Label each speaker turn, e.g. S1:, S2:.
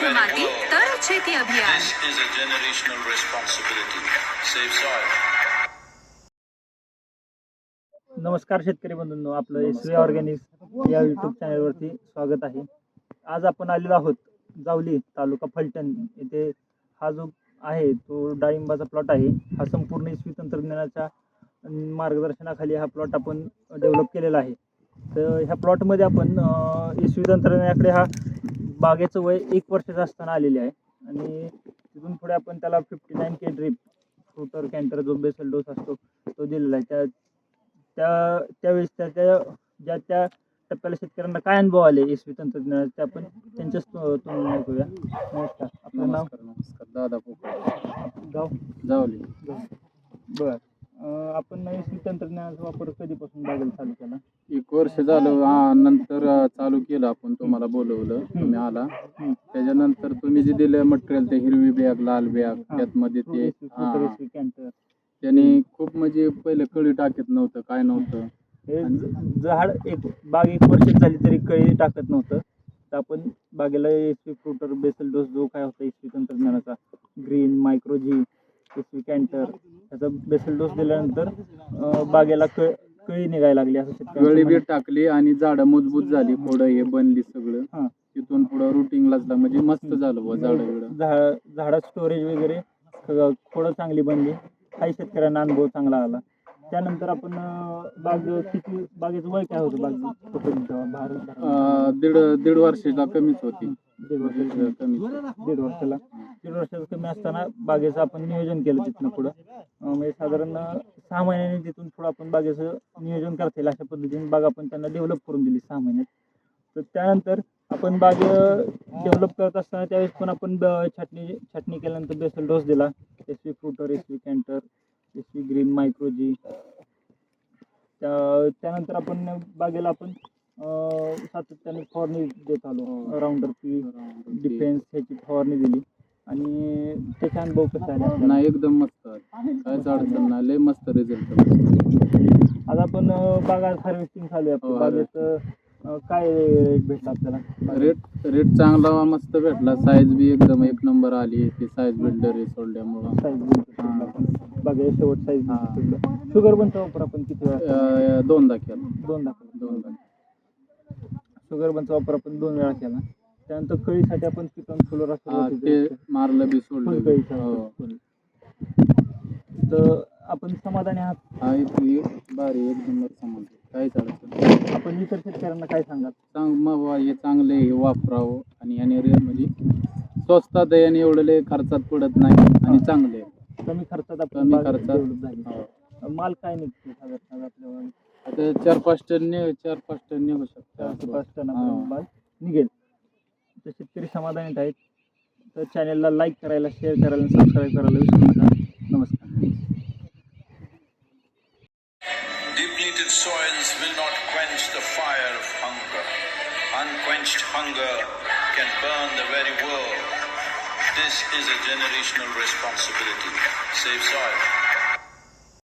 S1: शुद्ध माती तरच शेती अभियान.
S2: This is a generational responsibility. Save soil.
S3: नमस्कार शेतकरी बंधूंनो, आपलं SV ऑर्गॅनिक्स या यूट्यूब चॅनलवरती स्वागत आहे. आज आपण आलेलो आहोत जावली तालुका फलटण येथे. हा जो आहे तो डाळिंबाचा प्लॉट आहे. हा संपूर्ण SV तंत्रज्ञानाच्या मार्गदर्शनाखाली हा प्लॉट आपण डेव्हलप केलेला आहे. तर ह्या प्लॉटमध्ये आपण SV तंत्रज्ञानाकडे हा बागेचं वय 1 वर्षाचं असताना आलेले आहे आणि तिथून पुढे आपण त्याला 59K ड्रिप फ्रुटर कॅन्टर जो बेसल डोस असतो तो दिलेला आहे. त्यावेळेस त्या टप्प्याला शेतकऱ्यांना काय अनुभव आले SV तंत्रज्ञानाचे आपण त्यांच्याच तोंडून ऐकूया. नमस्कार, आपलं नाव?
S4: नमस्कार, दादा पोपट,
S3: गाव
S4: जावली.
S3: बरं, आपण SV तंत्रज्ञानाचा वापर कधीपासून बागेला चालू केला?
S4: 1 वर्ष झालं. नंतर चालू केलं आपण, तुम्हाला बोलवलं, तुम्ही आला. त्याच्यानंतर तुम्ही जे दिलं मटेरियल, ते हिरवी बॅग, लाल बॅग, त्यात मध्ये ते
S3: कॅन्टर,
S4: त्यांनी खूप म्हणजे पहिले कळी टाकत नव्हतं, काय नव्हतं.
S3: हे झाड बाग 1 वर्ष झाली तरी कळी टाकत नव्हतं. तर आपण बागेला SV फ्रुटर बेसल डोस जो काय होता SV तंत्रज्ञानाचा, ग्रीन मायक्रोजी SV कॅन्टर, त्याचा बेसल डोस दिल्यानंतर बागेला कळी निघायला लागली. असं
S4: कळी बी टाकली आणि झाडं मजबूत झाली, पुढं हे बनली सगळं. तिथून पुढं रुटीनलाच म्हणजे मस्त झालं बुवा.
S3: झाडात स्टोरेज वगैरे थोडं चांगली बनली. काही शेतकऱ्यांना अनुभव चांगला आला. त्यानंतर आपण बागेचं वय काय होतं?
S4: दीड वर्षाला कमीच होती.
S3: दीड वर्षाला कमी असताना बागेचं आपण नियोजन केलं. तिथनं पुढं म्हणजे साधारण 6 महिन्यांनी तिथून पुढं आपण बागेचं नियोजन करता येईल अशा पद्धतीने बाग आपण त्यांना डेव्हलप करून दिली 6 महिन्यात. तर त्यानंतर आपण बाग डेव्हलप करत असताना त्यावेळेस पण आपण छाटणी केल्यानंतर बेसल डोस दिला. SV fruiter, SV canter, SV green मायक्रोजी. त्यानंतर आपण बागेला आपण सातत्याने फवारणी देत आलो. राऊंडर पी डिफेन्स ह्याची फवारणी दिली आणि त्याचा अनुभव कसा आला?
S4: नाही, एकदम मस्त, काहीच अडचण नाही, लय मस्त रिझल्ट.
S3: आज आपण बागा हार्वेस्टिंग चालू आहे. आपल्या बागेत काय रेट भेटला आपल्याला?
S4: रेट चांगला मस्त भेटला. साईज बी एकदम 1 नंबर आली. ती साईज बिल्डर हे सोडल्यामुळं
S3: बागेला शेवट साईज. शुगर बनचा वापर आपण किती वेळा?
S4: 2दा केला.
S3: 2दा. शुगर बनचा वापर आपण 2 वेळा केला. त्यानंतर कळीसाठी आपण चिकन फ्लोरा
S4: ते मारलं बी सोडलं.
S3: तर आपण समाधानी आहात?
S4: हा, भारी, 1 नंबर समाधान, काहीच अडचण.
S3: आपण इतर शेतकऱ्यांना काय सांगाल?
S4: मग हे चांगले, हे वापरावं. आणि याने म्हणजे स्वस्तात आहे आणि एवढं लय खर्चात पडत नाही आणि चांगले आहे.
S3: कमी खर्चात झाली. माल काय निघतो साधारण आपल्याला?
S4: आता 4-5 टन निघू शकतो.
S3: 4-5 टन माल निघेल. तर शेतकरी समाधानीत आहेत. तर चॅनलला लाईक करायला, शेअर करायला, सबस्क्राईब करायला विसरू नका. नमस्कार.
S2: Depleted soils will not quench the fire of hunger. Unquenched hunger can burn the very world. This is a generational responsibility. Save soil.